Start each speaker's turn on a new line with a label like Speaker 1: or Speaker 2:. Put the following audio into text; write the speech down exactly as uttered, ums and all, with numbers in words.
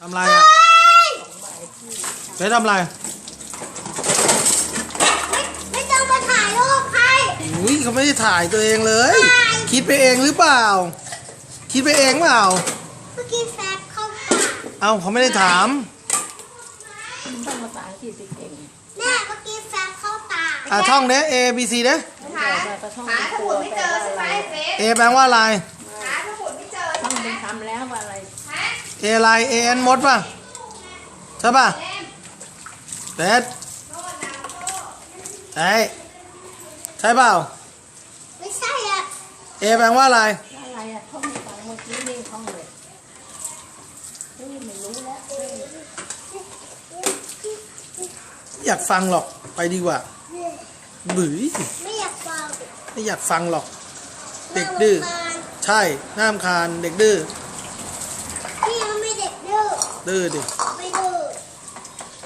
Speaker 1: ทำอะไรอ่ะเบ๊ทำอะไร
Speaker 2: ไม่ต้องมาถ่ายรูปใคร
Speaker 1: อุ้ยเขาไม่ได้ถ่ายตัวเองเลยคิดไปเองหรือเปล่าคิดไปเองเปล่า
Speaker 2: เมื่อกี้แฟบเข้าปาก
Speaker 1: เอ้าเขาไม่ได้ถาม
Speaker 3: ต้องภาษาอังกฤษเก่ง
Speaker 2: แม่เมื่อกี้แฟบเข้าปาก
Speaker 1: อ่ะท่องเด้ A B C เด้
Speaker 3: หาหาสมุดไม่เจอใช่ไหมเฟซ
Speaker 1: A แปลว่าอะไร
Speaker 3: หาสมุดไม่เจอต้องเป็นคำแล้วว่าอะไร
Speaker 1: A อะไร A N มดป่ะใช่ป่ะเด็ดใช่ใช่เปล่า
Speaker 2: ไม่ใช่อ่ะ
Speaker 1: A แปลว่าอะไร
Speaker 3: อะไรอ่ะท่องฟังเมื่อกี้นี่ท่องเลยเฮ้ยไม่รู้แล้ว
Speaker 1: อยากฟังหรอกไปดีกว่าบื้อ
Speaker 2: ไม่อยากฟัง
Speaker 1: ไม่อยากฟังหรอกเด็กดื้อใช่น่ารำคาญเด็กดื้อ
Speaker 2: พี่ยังไม่เด็กดื้อ
Speaker 1: ดื้อดิ